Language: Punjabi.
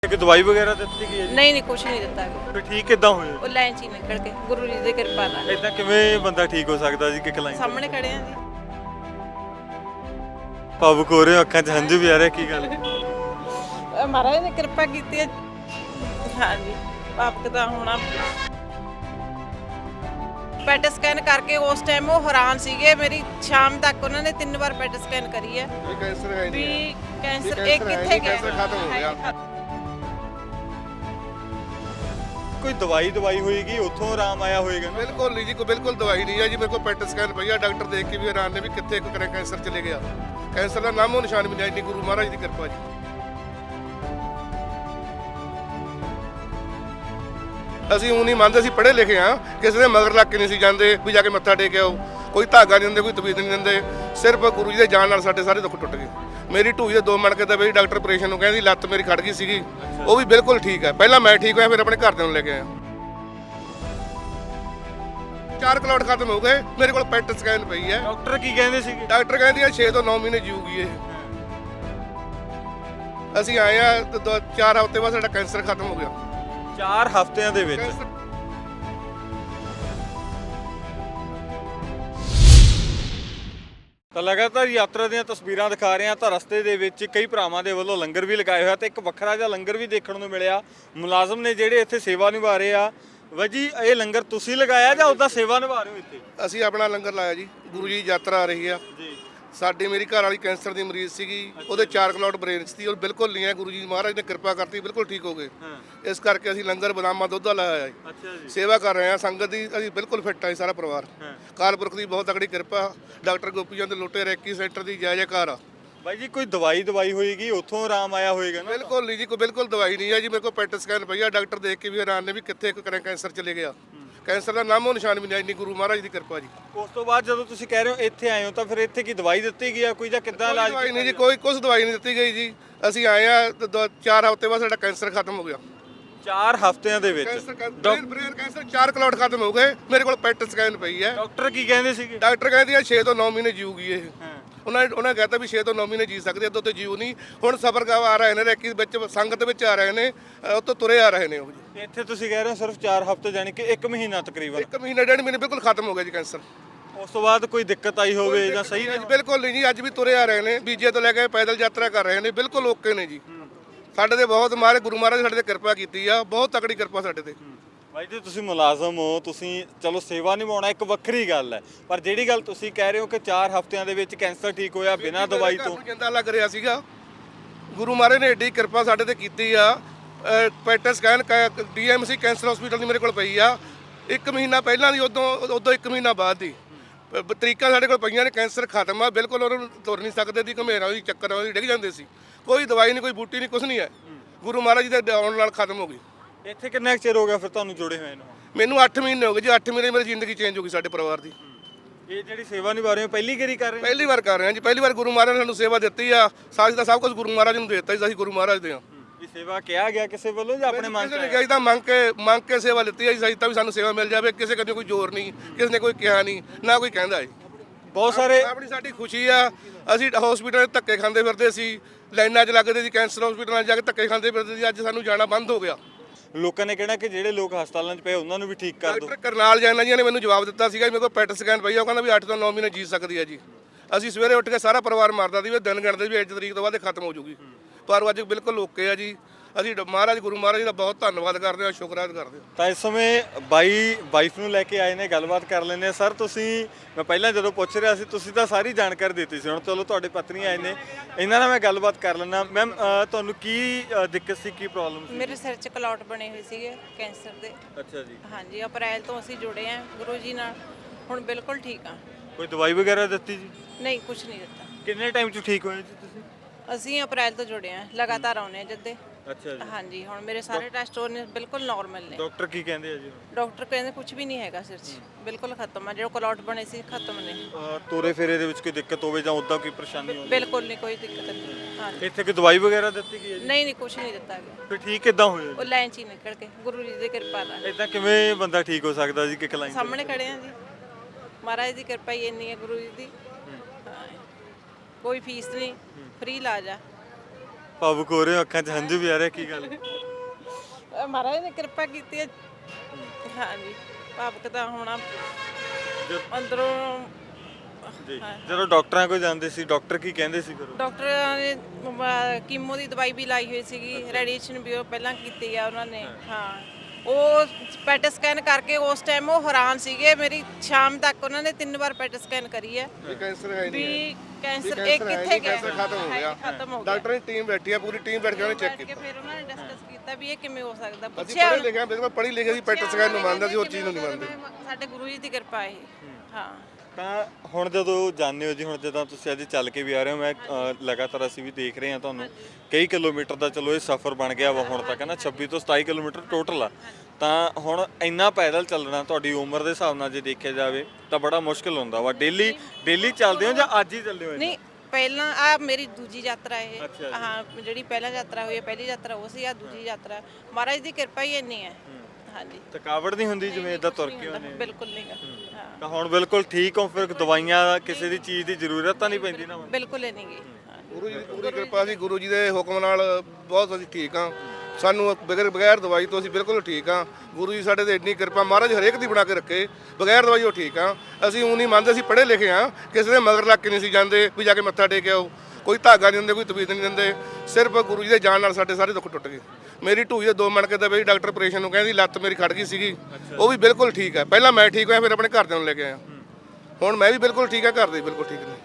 ਕਿ ਦਵਾਈ ਵਗੈਰਾ ਦਿੱਤੀ ਗਈ ਹੈ ਜੀ? ਨਹੀਂ ਕੁਛ ਨਹੀਂ ਦਿੱਤਾ ਗਿਆ। ਫਿਰ ਠੀਕ ਕਿੱਦਾਂ ਹੋਇਆ ਉਹ ਲਾਈਨ 'ਚ ਹੀ ਨਿਕਲ ਕੇ ਗੁਰੂ ਜੀ ਦੀ ਕਿਰਪਾ ਨਾਲ ਇਦਾਂ ਕਿਵੇਂ ਬੰਦਾ ਠੀਕ ਹੋ ਸਕਦਾ ਜੀ ਕਿ ਕਲਾਈ ਸਾਹਮਣੇ ਖੜੇ ਆ ਜੀ। ਭਾਵੁਕ ਹੋ ਰਹੇ ਹੋ, ਅੱਖਾਂ 'ਚ ਹੰਝੂ ਵੀ ਆ ਰਹੇ, ਕੀ ਗੱਲ? ਮਹਾਰਾਜ ਨੇ ਕਿਰਪਾ ਕੀਤੀ ਹੈ। ਹਾਂਜੀ ਪਾਪ ਦਾ ਹੋਣਾ। ਪੈਟ ਸਕੈਨ ਕਰਕੇ ਉਸ ਟਾਈਮ ਉਹ ਹੈਰਾਨ ਸੀਗੇ। ਮੇਰੀ ਸ਼ਾਮ ਤੱਕ ਉਹਨਾਂ ਨੇ 3 ਵਾਰ ਪੈਟ ਸਕੈਨ ਕਰੀ ਹੈ ਵੀ ਕੈਂਸਰ ਹੈ ਵੀ ਨਹੀਂ, ਕੈਂਸਰ ਵੀ ਇਹ ਕਿੱਥੇ ਗਿਆ, ਕੈਂਸਰ ਖਤਮ ਹੋ ਗਿਆ। ਕੋਈ ਦਵਾਈ ਹੋਏਗੀ ਉੱਥੋਂ ਆਰਾਮ ਆਇਆ ਹੋਏਗਾ ਨਾ? ਬਿਲਕੁਲ ਨਹੀਂ ਜੀ, ਕੋਈ ਬਿਲਕੁਲ ਦਵਾਈ ਨਹੀਂ ਹੈ ਜੀ। ਮੇਰੇ ਕੋਲ ਪੈਟ ਸਕੈਨ ਪਈ ਆ, ਡਾਕਟਰ ਦੇਖ ਕੇ ਵੀ ਹੈਰਾਨ ਨੇ ਵੀ ਕਿੱਥੇ ਕੈਂਸਰ ਚਲੇ ਗਿਆ। ਕੈਂਸਰ ਦਾ ਨਾਮੋ ਨਿਸ਼ਾਨ ਵੀ ਨਹੀਂ, ਇੰਨੀ ਗੁਰੂ ਮਹਾਰਾਜ ਦੀ ਕਿਰਪਾ ਜੀ। ਅਸੀਂ ਉਹ ਨਹੀਂ ਮੰਨਦੇ, ਅਸੀਂ ਪੜ੍ਹੇ ਲਿਖੇ ਆ, ਕਿਸੇ ਦੇ ਮਗਰ ਲੱਗ ਕੇ ਨਹੀਂ ਸੀ ਜਾਂਦੇ ਵੀ ਜਾ ਕੇ ਮੱਥਾ ਟੇਕ ਆਓ। ਕੋਈ ਧਾਗਾ ਨਹੀਂ ਦਿੰਦੇ, ਕੋਈ ਤਵੀਤ ਨਹੀਂ ਦਿੰਦੇ, ਸਿਰਫ ਗੁਰੂ ਜੀ ਦੇ ਜਾਣ ਨਾਲ ਸਾਡੇ ਸਾਰੇ ਦੁੱਖ ਟੁੱਟ ਗਏ। ਮੇਰੀ ਢੂਈ ਦੇ 2 ਮਣਕੇ ਦਾ ਬਈ ਡਾਕਟਰ ਆਪਰੇਸ਼ਨ ਨੂੰ ਕਹਿੰਦੀ, ਲੱਤ ਮੇਰੀ ਖੜ ਗਈ ਸੀਗੀ, ਉਹ ਵੀ ਬਿਲਕੁਲ ਠੀਕ ਹੈ। ਪਹਿਲਾਂ ਮੈਂ ਠੀਕ ਹੋਇਆ, ਫਿਰ ਆਪਣੇ ਘਰਦਿਆਂ ਨੂੰ ਲੈ ਕੇ ਆਇਆ। 4 ਕਲੌਟ ਖਤਮ ਹੋ ਗਏ। ਮੇਰੇ ਕੋਲ ਪੈਟ ਸਕੈਨ ਪਈ ਹੈ। ਡਾਕਟਰ ਕੀ ਕਹਿੰਦੇ ਸੀਗੇ? ਡਾਕਟਰ ਕਹਿੰਦੀ ਆ 6 ਤੋਂ 9 ਮਹੀਨੇ ਜੀਊਗੀ ਇਹ। ਅਸੀਂ ਆਏ ਆ 4 ਹਫ਼ਤੇ ਬਾਅਦ ਸਾਡਾ ਕੈਂਸਰ ਖਤਮ ਹੋ ਗਿਆ। 4 ਹਫ਼ਤਿਆਂ ਦੇ ਵਿੱਚ ਕੈਂਸਰ ਤਾਂ ਲਗਾਤਾਰ ਯਾਤਰਾ ਦੀਆਂ ਤਸਵੀਰਾਂ ਦਿਖਾ ਰਹੇ ਹਾਂ ਤਾਂ ਰਸਤੇ ਦੇ ਵਿੱਚ ਕਈ ਭਰਾਵਾਂ ਦੇ ਵੱਲੋਂ ਲੰਗਰ ਵੀ ਲਗਾਏ ਹੋਇਆ ਤੇ ਇੱਕ ਵੱਖਰਾ ਜਿਹਾ ਲੰਗਰ ਵੀ ਦੇਖਣ ਨੂੰ ਮਿਲਿਆ। ਮੁਲਾਜ਼ਮ ਨੇ ਜਿਹੜੇ ਇੱਥੇ ਸੇਵਾ ਨਿਭਾ ਰਹੇ ਆ। ਵਜੀ ਇਹ ਲੰਗਰ ਤੁਸੀਂ ਲਗਾਇਆ ਜਾਂ ਉਹਦਾ ਸੇਵਾ ਨਿਭਾ ਰਹੇ ਹੋ ਇੱਥੇ? ਅਸੀਂ ਆਪਣਾ ਲੰਗਰ ਲਾਇਆ ਜੀ। ਗੁਰੂ ਜੀ ਦੀ ਯਾਤਰਾ ਆ ਰਹੀ ਆ। ਜੀ ਸਾਡੀ ਮੇਰੀ ਘਰ ਵਾਲੀ ਕੈਂਸਰ ਦੀ ਮਰੀਜ਼ ਸੀਗੀ, ਉਹਦੇ 4 ਕਲੌਟ ਬ੍ਰੇਨ 'ਚ ਸੀ, ਉਹ ਬਿਲਕੁਲ ਨਹੀਂ ਹੈ। ਗੁਰੂ ਜੀ ਮਹਾਰਾਜ ਨੇ ਕਿਰਪਾ ਕਰਤੀ, ਬਿਲਕੁਲ ਠੀਕ ਹੋ ਗਏ। ਹਾਂ ਇਸ ਕਰਕੇ ਅਸੀਂ ਲੰਗਰ ਬਦਾਮਾਂ ਦੁੱਧ ਦਾ ਲਾਇਆ ਜੀ। ਅੱਛਾ ਜੀ। ਸੇਵਾ ਕਰ ਰਹੇ ਹਾਂ ਸੰਗਤ ਦੀ। ਅਸੀਂ ਬਿਲਕੁਲ ਫਿੱਟ ਹਾਂ ਸਾਰਾ ਪਰਿਵਾਰ। ਹਾਂ ਕਾਲ ਪੁਰਖ ਦੀ ਬਹੁਤ ਤਕੜੀ ਕਿਰਪਾ। Doctor Gopi Chand Lotay reiki centre ਦੀ ਜੈ ਜੈਕਾਰ ਆ। ਬਾਈ ਜੀ ਕੋਈ ਦਵਾਈ ਹੋਏਗੀ ਉੱਥੋਂ ਆਰਾਮ ਆਇਆ ਹੋਏਗਾ ਨਾ? ਬਿਲਕੁਲ ਨਹੀਂ ਜੀ, ਕੋਈ ਬਿਲਕੁਲ ਦਵਾਈ ਨਹੀਂ ਹੈ ਜੀ। ਮੇਰੇ ਕੋਲ ਪੈਟ ਸਕੈਨ ਪਈ ਆ, ਡਾਕਟਰ ਦੇਖ ਕੇ ਵੀ ਹੈਰਾਨ ਨੇ ਵੀ ਕਿੱਥੇ ਕੈਂਸਰ ਚਲੇ ਗਿਆ। ਕੈਂਸਰ ਦਾ ਨਾਮੋ ਨਿਸ਼ਾਨ ਵੀ ਨਹੀਂ, ਇੰਨੀ ਗੁਰੂ ਮਹਾਰਾਜ ਦੀ ਕਿਰਪਾ ਜੀ। ਉਸ ਤੋਂ ਬਾਅਦ ਜਦੋਂ ਤੁਸੀਂ ਕਹਿ ਰਹੇ ਹੋ ਇੱਥੇ ਆਏ ਹੋ ਤਾਂ ਫਿਰ ਇੱਥੇ ਕੀ ਦਵਾਈ ਦਿੱਤੀ ਗਈ ਆ ਕੋਈ ਜਾਂ ਕਿੱਦਾਂ ਕੋਈ ਇਲਾਜ ਦਵਾਈ ਨਹੀਂ ਜੀ, ਕੋਈ ਕੁਝ ਦਵਾਈ ਨਹੀਂ ਦਿੱਤੀ ਗਈ ਜੀ। ਅਸੀਂ ਆਏ ਆ 4 ਹਫ਼ਤੇ ਬਾਅਦ ਸਾਡਾ ਕੈਂਸਰ ਖਤਮ ਹੋ ਗਿਆ। 4 ਹਫ਼ਤਿਆਂ ਦੇ ਵਿੱਚ? ਬ੍ਰੇਨ ਕੈਂਸਰ 4 ਕਲੌਟ ਖਤਮ ਹੋ ਗਏ। ਮੇਰੇ ਕੋਲ ਪੈਟ ਸਕੈਨ ਪਈ ਹੈ। ਡਾਕਟਰ ਕੀ ਕਹਿੰਦੇ ਸੀਗੇ? ਡਾਕਟਰ ਕਹਿੰਦੀ ਆ 6 ਤੋਂ 9 ਮਹੀਨੇ ਜੀਊਗੀ ਇਹ। ਹਾਂ ਉਹਨਾਂ ਕਹਿਤਾ ਵੀ 6 ਤੋਂ 9 ਮਹੀਨੇ ਜੀ ਸਕਦੇ, ਅੱਧੋ ਤੇ ਜੀਉ ਨਹੀਂ। ਹੁਣ ਸਬਰ ਕਰ ਆ ਰਹੇ ਨੇ, ਰੈਕੀ ਵਿੱਚ ਸੰਗਤ ਵਿੱਚ ਆ ਰਹੇ ਨੇ, ਉੱਤੋਂ ਤੁਰੇ ਆ ਰਹੇ ਨੇ ਉਹ ਜੀ। ਇੱਥੇ ਤੁਸੀਂ ਕਹਿ ਰਹੇ ਹੋ ਸਿਰਫ 4 ਹਫ਼ਤੇ ਜਾਨੀ ਕਿ 1 ਮਹੀਨਾ ਤਕਰੀਬਨ? 1 ਮਹੀਨਾ 1.5 ਮਹੀਨੇ ਬਿਲਕੁਲ ਖਤਮ ਹੋ ਗਿਆ ਜੀ ਕੈਂਸਰ। ਉਸ ਤੋਂ ਬਾਅਦ ਕੋਈ ਦਿੱਕਤ ਆਈ ਹੋਵੇ ਜਾਂ ਸਹੀ ਨਹੀਂ ਜੀ, ਬਿਲਕੁਲ ਨਹੀਂ ਜੀ। ਅੱਜ ਵੀ ਤੁਰੇ ਆ ਰਹੇ ਨੇ, ਬੀਜੇ ਤੋਂ ਲੈ ਕੇ ਪੈਦਲ ਯਾਤਰਾ ਕਰ ਰਹੇ ਨੇ, ਬਿਲਕੁਲ ਓਕੇ ਨੇ ਜੀ। ਸਾਡੇ ਤੇ ਬਹੁਤ ਗੁਰੂ ਮਹਾਰਾਜ ਸਾਡੇ ਤੇ ਕਿਰਪਾ ਕੀਤੀ ਆ, ਬਹੁਤ ਤਕੜੀ ਕਿਰਪਾ ਸਾਡੇ ਤੇ। ਬਾਈ ਜੀ ਤੁਸੀਂ ਮੁਲਾਜ਼ਮ ਹੋ, ਤੁਸੀਂ ਚਲੋ ਸੇਵਾ ਨਿਭਾਉਣਾ ਇੱਕ ਵੱਖਰੀ ਗੱਲ ਹੈ, ਪਰ ਜਿਹੜੀ ਗੱਲ ਤੁਸੀਂ ਕਹਿ ਰਹੇ ਹੋ ਕਿ 4 ਹਫ਼ਤਿਆਂ ਦੇ ਵਿੱਚ ਕੈਂਸਰ ਠੀਕ ਹੋਇਆ ਬਿਨਾਂ ਦਵਾਈ ਤੋਂ। ਜਿੰਦਾ ਲੱਗ ਰਿਹਾ ਸੀਗਾ। ਗੁਰੂ ਮਹਾਰਾਜ ਨੇ ਏਡੀ ਕਿਰਪਾ ਸਾਡੇ ਤੇ ਕੀਤੀ ਆ। PET scan DMC cancer hospital ਦੀ ਮੇਰੇ ਕੋਲ ਪਈ ਆ। 1 ਮਹੀਨਾ ਪਹਿਲਾਂ ਦੀ, ਉਦੋਂ 1 ਮਹੀਨਾ ਬਾਅਦ ਦੀ ਤਰੀਕਾਂ ਸਾਡੇ ਕੋਲ ਪਈਆਂ ਨੇ। ਕੈਂਸਰ ਖਤਮ ਆ ਬਿਲਕੁਲ। ਉਹਨਾਂ ਨੂੰ ਤੁਰ ਨਹੀਂ ਸਕਦੇ ਸੀ, ਘਮੇਰਾ ਉਹਦੀ ਚੱਕਰ ਉਹਦੀ ਡਿੱਗ ਜਾਂਦੇ ਸੀ। ਕੋਈ ਦਵਾਈ ਨਹੀਂ, ਕੋਈ ਬੂਟੀ ਨਹੀਂ, ਕੁਝ ਨਹੀਂ ਹੈ। ਗੁਰੂ ਮਹਾਰਾਜ ਜੀ ਦੇ ਆਉਣ ਨਾਲ ਖਤਮ ਹੋ ਗਈ। ਇੱਥੇ ਕਿੰਨਾ ਚਿਰ ਹੋ ਗਿਆ ਫਿਰ ਤੁਹਾਨੂੰ ਜੁੜੇ ਹੋਏ ਨੂੰ? ਮੈਨੂੰ 8 ਮਹੀਨੇ ਹੋ ਗਏ ਜੀ। 8 ਮਹੀਨੇ ਮੇਰੀ ਜ਼ਿੰਦਗੀ ਚੇਂਜ ਹੋ ਗਈ ਸਾਡੇ ਪਰਿਵਾਰ ਦੀ। ਇਹ ਜਿਹੜੀ ਸੇਵਾ ਨਿਭਾ ਰਹੇ ਹੋ ਪਹਿਲੀ ਵਾਰੀ ਕਰ ਰਹੇ ਹੋ? ਪਹਿਲੀ ਵਾਰ ਕਰ ਰਹੇ ਹਾਂ ਜੀ। ਪਹਿਲੀ ਵਾਰ ਗੁਰੂ ਮਹਾਰਾਜ ਨੇ ਸਾਨੂੰ ਸੇਵਾ ਦਿੱਤੀ ਆ। ਸਾਜ ਦਾ ਸਭ ਕੁਝ ਗੁਰੂ ਮਹਾਰਾਜ ਨੂੰ ਦੇ ਦਿੱਤਾ ਜੀ। ਅਸੀਂ ਗੁਰੂ ਮਹਾਰਾਜ ਦੇ ਹਾਂ। ਇਹ ਸੇਵਾ ਕਿਹਾ ਗਿਆ ਕਿਸੇ ਵੱਲੋਂ ਜਾਂ ਆਪਣੇ ਮਨ ਕਿਸੇ ਚ ਨੇ ਆਇਆ? ਕਿਹਾ ਮੰਗ ਕੇ ਸੇਵਾ ਲਿੱਤੀ ਹੈ ਜੀ। ਸਹੀ ਤਾਂ ਵੀ ਸਾਨੂੰ ਸੇਵਾ ਮਿਲ ਜਾਵੇ। ਕਿਸੇ ਕਦੇ ਕੋਈ ਜ਼ੋਰ ਨਹੀਂ, ਕਿਸੇ ਨੇ ਕੋਈ ਕਿਹਾ ਨਹੀਂ, ਨਾ ਕੋਈ ਕਹਿੰਦਾ ਜੀ। ਬਹੁਤ ਸਾਰੇ ਆਪਣੀ ਸਾਡੀ ਖੁਸ਼ੀ ਆ। ਅਸੀਂ ਹਸਪੀਟਲ 'ਚ ਧੱਕੇ ਖਾਂਦੇ ਫਿਰਦੇ ਸੀ, ਲਾਈਨਾਂ 'ਚ ਲੱਗਦੇ ਸੀ, ਕੈਂਸਰ ਹਸਪੀਟਲਾਂ 'ਚ ਜਾ ਕੇ ਧੱਕੇ ਖਾਂਦੇ ਫਿਰਦੇ ਸੀ। ਅੱਜ ਸਾਨੂੰ ਜਾਣਾ ਬੰਦ ਹੋ ਗਿਆ। ਲੋਕਾਂ ਨੇ ਕਹਿਣਾ ਕਿ ਜਿਹੜੇ ਲੋਕ ਹਸਪਤਾਲਾਂ 'ਚ ਪਏ ਉਹਨਾਂ ਨੂੰ ਵੀ ਠੀਕ ਕਰ ਦਿਓ। ਡਾਕਟਰ ਕਰਨਾਲ ਜੈਨਾ ਜੀ ਨੇ ਮੈਨੂੰ ਜਵਾਬ ਦਿੱਤਾ ਸੀਗਾ ਮੇਰੇ ਕੋਲ ਪੈਟ ਸਕੈਨ ਪਈ ਆ। ਉਹ ਕਹਿੰਦਾ ਵੀ 8 ਤੋਂ 9 ਮਹੀਨੇ ਜੀ ਸਕਦੀ ਹੈ ਜੀ। ਅਸੀਂ ਸਵੇਰੇ ਉੱਠ ਕੇ ਸਾਰਾ ਪਰਿਵਾਰ ਮਾਰਦਾ ਸੀ ਵੀ ਦਿਨ ਗਿਣਦੇ ਵੀ 8 ਤਰੀਕ ਤੋਂ ਬਾਅਦ ਇਹ ਖਤਮ ਹੋ ਜੂਗੀ, ਪਰ ਅੱਜ ਬਿਲਕੁਲ ਓਕੇ ਆ ਜੀ। ਅਸੀਂ ਮਹਾਰਾਜ ਗੁਰੂ ਮਹਾਰਾਜ ਜੀ ਦਾ ਬਹੁਤ ਧੰਨਵਾਦ ਕਰਦੇ ਹਾਂ, ਸ਼ੁਕਰਾਨਾ ਕਰਦੇ ਹਾਂ। ਤਾਂ ਇਸ ਸਮੇਂ ਬਾਈ ਵਾਈਫ ਨੂੰ ਲੈ ਕੇ ਆਏ ਨੇ, ਗੱਲਬਾਤ ਕਰ ਲੈਂਦੇ ਆ। ਸਰ ਤੁਸੀਂ, ਮੈਂ ਪਹਿਲਾਂ ਜਦੋਂ ਪੁੱਛ ਰਿਹਾ ਸੀ ਤੁਸੀਂ ਤਾਂ ਸਾਰੀ ਜਾਣਕਾਰੀ ਦਿੱਤੀ ਸੀ, ਹੁਣ ਚਲੋ ਤੁਹਾਡੇ ਪਤਨੀ ਆਏ ਨੇ, ਇਹਨਾਂ ਨਾਲ ਮੈਂ ਗੱਲਬਾਤ ਕਰ ਲੈਣਾ। ਮੈਮ ਤੁਹਾਨੂੰ ਕੀ ਦਿੱਕਤ ਸੀ, ਕੀ ਪ੍ਰੋਬਲਮ ਸੀ? ਮੇਰੇ ਸਿਰ 'ਚ ਕਲੌਟ ਬਣੇ ਹੋਏ ਸੀਗੇ ਕੈਂਸਰ ਦੇ। ਅੱਛਾ ਜੀ। ਹਾਂਜੀ ਅਪ੍ਰੈਲ ਤੋਂ ਅਸੀਂ ਜੁੜੇ ਆ ਗੁਰੂ ਜੀ ਨਾਲ। ਹੁਣ ਬਿਲਕੁਲ ਠੀਕ ਆ। ਕੋਈ ਦਵਾਈ ਵਗੈਰਾ ਦਿੱਤੀ ਜੀ? ਨਹੀਂ ਕੁਛ ਨਹੀਂ ਦਿੱਤਾ। ਕਿੰਨੇ ਟਾਈਮ 'ਚ ਠੀਕ ਹੋਏ ਜੀ ਤੁਸੀਂ? ਅਸੀਂ ਅਪ੍ਰੈਲ ਤੋਂ ਜੁੜੇ ਆ, ਲਗਾਤਾਰ ਆਉਂਦੇ ਆ ਜਦ ਦੇ। ਅੱਛਾ ਜੀ। ਹਾਂਜੀ ਹੁਣ ਮੇਰੇ ਸਾਰੇ ਟੈਸਟ ਹੋਣੇ ਬਿਲਕੁਲ ਨਾਰਮਲ ਨੇ। ਡਾਕਟਰ ਕੀ ਕਹਿੰਦੇ ਆ ਜੀ? ਡਾਕਟਰ ਕਹਿੰਦੇ ਕੁਝ ਵੀ ਨਹੀਂ ਹੈਗਾ ਸਿਰ 'ਚ, ਬਿਲਕੁਲ ਖਤਮ ਆ। ਜਿਹੜੇ ਕਲੌਟ ਬਣੇ ਸੀ ਖਤਮ ਨੇ। ਤੋਰੇ ਫੇਰੇ ਦੇ ਵਿੱਚ ਕੋਈ ਦਿੱਕਤ ਹੋਵੇ ਜਾਂ ਉਦਾਂ ਕੋਈ ਪਰੇਸ਼ਾਨੀ ਹੋਵੇ? ਬਿਲਕੁਲ ਨਹੀਂ, ਕੋਈ ਦਿੱਕਤ ਨਹੀਂ। ਹਾਂਜੀ ਇੱਥੇ ਕੋਈ ਦਵਾਈ ਵਗੈਰਾ ਦਿੱਤੀ ਗਈ ਹੈ ਜੀ? ਨਹੀਂ ਕੁਛ ਨਹੀਂ ਦਿੱਤਾ ਗਿਆ। ਫਿਰ ਠੀਕ ਕਿੱਦਾਂ ਹੋਇਆ ਉਹ ਲਾਈਨ 'ਚ ਹੀ ਨਿਕਲ ਕੇ ਗੁਰੂ ਜੀ ਦੀ ਕਿਰਪਾ ਨਾਲ ਇਦਾਂ ਕਿਵੇਂ ਬੰਦਾ ਠੀਕ ਹੋ ਸਕਦਾ ਜੀ ਕਿ ਕਲਾਈ? ਸਾਹਮਣੇ ਖੜੇ ਆ ਜੀ। ਮਹਾਰਾਜ ਦੀ ਕਿਰਪਾ ਹੀ ਇੰਨੀ ਹੈ, ਗੁਰੂ ਜੀ ਦੀ। ਹਾਂ ਕੋਈ ਫੀਸ ਨਹੀਂ, ਫ੍ਰੀ ਇਲਾਜ ਆ। ਭਾਵੁਕ ਹੋ ਰਹੇ ਹੋ, ਅੱਖਾਂ 'ਚ ਹੰਝੂ ਵੀ ਆ ਰਹੇ, ਕੀ ਗੱਲ? ਮਹਾਰਾਜ ਨੇ ਕਿਰਪਾ ਕੀਤੀ ਹੈ। ਹਾਂਜੀ, ਭਾਵਕ ਤਾਂ ਹੋਣਾ ਅੰਦਰੋਂ। ਜੀ ਜਦੋਂ ਡਾਕਟਰਾਂ ਕੋਲ ਜਾਂਦੇ ਸੀ, ਡਾਕਟਰ ਕੀ ਕਹਿੰਦੇ ਸੀ ਫਿਰ? ਡਾਕਟਰਾਂ ਨੇ ਕੀਮੋ ਦੀ ਦਵਾਈ ਵੀ ਲਾਈ ਹੋਈ ਸੀਗੀ, ਰੇਡੀਏਸ਼ਨ ਵੀ ਉਹ ਪਹਿਲਾਂ ਕੀਤੀ ਆ ਉਹਨਾਂ ਨੇ। ਹਾਂ, ਉਹ ਪੈਟ ਸਕੈਨ ਕਰਕੇ ਉਸ ਟਾਈਮ ਉਹ ਹੈਰਾਨ ਸੀਗੇ। ਮੇਰੀ ਸ਼ਾਮ ਤੱਕ ਉਹਨਾਂ ਨੇ 3 ਵਾਰ ਪੈਟ ਸਕੈਨ ਕਰੀ ਹੈ ਵੀ ਕੈਂਸਰ ਹੈ ਵੀ ਨਹੀਂ, ਕੈਂਸਰ ਇਹ ਕਿੱਥੇ ਗਿਆ, ਕੈਂਸਰ ਖਤਮ ਹੋ ਗਿਆ। ਖਤਮ ਹੋ ਗਿਆ। ਡਾਕਟਰ ਦੀ ਟੀਮ ਬੈਠੀ ਆ, ਪੂਰੀ ਟੀਮ ਬੈਠ ਕੇ ਉਹਨੇ ਚੈੱਕ ਬੈਠ ਕੇ ਕੀਤਾ। ਫਿਰ ਉਹਨਾਂ ਨੇ ਡਿਸਕਸ ਕੀਤਾ ਵੀ ਇਹ ਕਿਵੇਂ ਹੋ ਸਕਦਾ। ਅਸੀਂ ਪੁੱਛਿਆ ਪੜ੍ਹੇ ਲਿਖੇ ਆ, ਬਿਲਕੁਲ ਪੜ੍ਹੀ ਲਿਖੀ ਸੀ, ਪੈਟ ਸਕੈਨ ਨੂੰ ਮੰਨਦਾ ਸੀ, ਉਹ ਚੀਜ਼ ਨੂੰ ਨਹੀਂ ਮੰਨਦੇ। ਸਾਡੇ ਗੁਰੂ ਜੀ ਦੀ ਕਿਰਪਾ ਹੈ। ਹਾਂ, ਤਾਂ ਹੁਣ ਜਦੋਂ ਜਾਂਦੇ ਹੋ ਜੀ, ਹੁਣ ਜਦੋਂ ਤੁਸੀਂ ਅੱਜ ਚੱਲ ਕੇ ਵੀ ਆ ਰਹੇ ਹੋ, ਮੈਂ ਲਗਾਤਾਰ ਅਸੀਂ ਵੀ ਦੇਖ ਰਹੇ ਹਾਂ ਤੁਹਾਨੂੰ, ਕਈ ਕਿਲੋਮੀਟਰ ਦਾ ਚਲੋ ਇਹ ਸਫ਼ਰ ਬਣ ਗਿਆ ਵਾ ਹੁਣ ਤੱਕ ਨਾ, 26 ਤੋਂ 27 ਕਿਲੋਮੀਟਰ ਟੋਟਲ ਆ। ਤਾਂ ਹੁਣ ਇੰਨਾ ਪੈਦਲ ਚੱਲਣਾ ਤੁਹਾਡੀ ਉਮਰ ਦੇ ਹਿਸਾਬ ਨਾਲ ਜੇ ਦੇਖਿਆ ਜਾਵੇ ਤਾਂ ਬੜਾ ਮੁਸ਼ਕਿਲ ਹੁੰਦਾ ਵਾ। ਡੇਲੀ ਚੱਲਦੇ ਹੋ ਜਾਂ ਅੱਜ ਹੀ ਚੱਲੇ ਹੋ? ਨਹੀਂ, ਪਹਿਲਾਂ ਆ ਮੇਰੀ ਦੂਜੀ ਯਾਤਰਾ ਇਹ। ਅੱਛਾ ਜੀ। ਹਾਂ, ਜਿਹੜੀ ਪਹਿਲਾਂ ਯਾਤਰਾ ਹੋਈ ਹੈ, ਪਹਿਲੀ ਯਾਤਰਾ ਉਹ ਸੀ, ਆ ਦੂਜੀ ਯਾਤਰਾ। ਮਹਾਰਾਜ ਦੀ ਕਿਰਪਾ ਹੀ ਇੰਨੀ ਹੈ। ਹਾਂਜੀ, ਥਕਾਵਟ ਨਹੀਂ ਹੁੰਦੀ ਜਿਵੇਂ ਇਦਾਂ ਤੁਰ ਕੇ ਆਉਂਦੇ? ਬਿਲਕੁਲ ਨਹੀਂ ਗਾ। ਹਾਂ, ਤਾਂ ਹੁਣ ਬਿਲਕੁਲ ਠੀਕ ਹੋ, ਫਿਰ ਦਵਾਈਆਂ ਕਿਸੇ ਦੀ ਚੀਜ਼ ਦੀ ਜ਼ਰੂਰਤ ਤਾਂ ਨਹੀਂ ਪੈਂਦੀ ਨਾ ਹੁਣ? ਬਿਲਕੁਲ ਹੀ ਨਹੀਂ ਗੀ। ਗੁਰੂ ਜੀ ਦੀ ਪੂਰੀ ਕਿਰਪਾ ਸੀ, ਗੁਰੂ ਜੀ ਦੇ ਹੁਕਮ ਨਾਲ ਬਹੁਤ ਅਸੀਂ ਠੀਕ ਹਾਂ। ਸਾਨੂੰ ਬਗੈਰ ਦਵਾਈ ਤੋਂ ਅਸੀਂ ਬਿਲਕੁਲ ਠੀਕ ਹਾਂ। ਗੁਰੂ ਜੀ ਸਾਡੇ ਤੇ ਇੰਨੀ ਕਿਰਪਾ, ਮਹਾਰਾਜ ਹਰੇਕ ਦੀ ਬਣਾ ਕੇ ਰੱਖੇ, ਬਗੈਰ ਦਵਾਈ ਉਹ ਠੀਕ ਹਾਂ। ਅਸੀਂ ਉਹ ਨਹੀਂ ਮੰਨਦੇ, ਅਸੀਂ ਪੜ੍ਹੇ ਲਿਖੇ ਹਾਂ, ਕਿਸੇ ਦੇ ਮਗਰ ਲੱਗ ਕੇ ਨਹੀਂ ਸੀ ਜਾਂਦੇ ਵੀ ਜਾ ਕੇ ਮੱਥਾ ਟੇਕ ਆਓ। ਕੋਈ ਧਾਗਾ ਨਹੀਂ ਦਿੰਦੇ, ਕੋਈ ਤਵੀਤ ਨਹੀਂ ਦਿੰਦੇ, ਸਿਰਫ ਗੁਰੂ ਜੀ ਦੇ ਜਾਣ ਨਾਲ ਸਾਡੇ ਸਾਰੇ ਦੁੱਖ ਟੁੱਟ ਗਏ। ਮੇਰੀ ਢੂਈ ਦੇ 2 ਮਣਕੇ ਦਾ ਬਈ ਡਾਕਟਰ ਆਪਰੇਸ਼ਨ ਨੂੰ ਕਹਿੰਦੀ, ਲੱਤ ਮੇਰੀ ਖੜ ਗਈ ਸੀਗੀ, ਉਹ ਵੀ ਬਿਲਕੁਲ ਠੀਕ ਹੈ। ਪਹਿਲਾਂ ਮੈਂ ਠੀਕ ਹੋਇਆ, ਫਿਰ ਆਪਣੇ ਘਰਦਿਆਂ ਨੂੰ ਲੈ ਕੇ ਆਇਆ। ਹੁਣ ਮੈਂ ਵੀ ਬਿਲਕੁਲ ਠੀਕ ਹਾਂ, ਘਰ ਦੇ ਬਿਲਕੁਲ ਠੀਕ ਨੇ।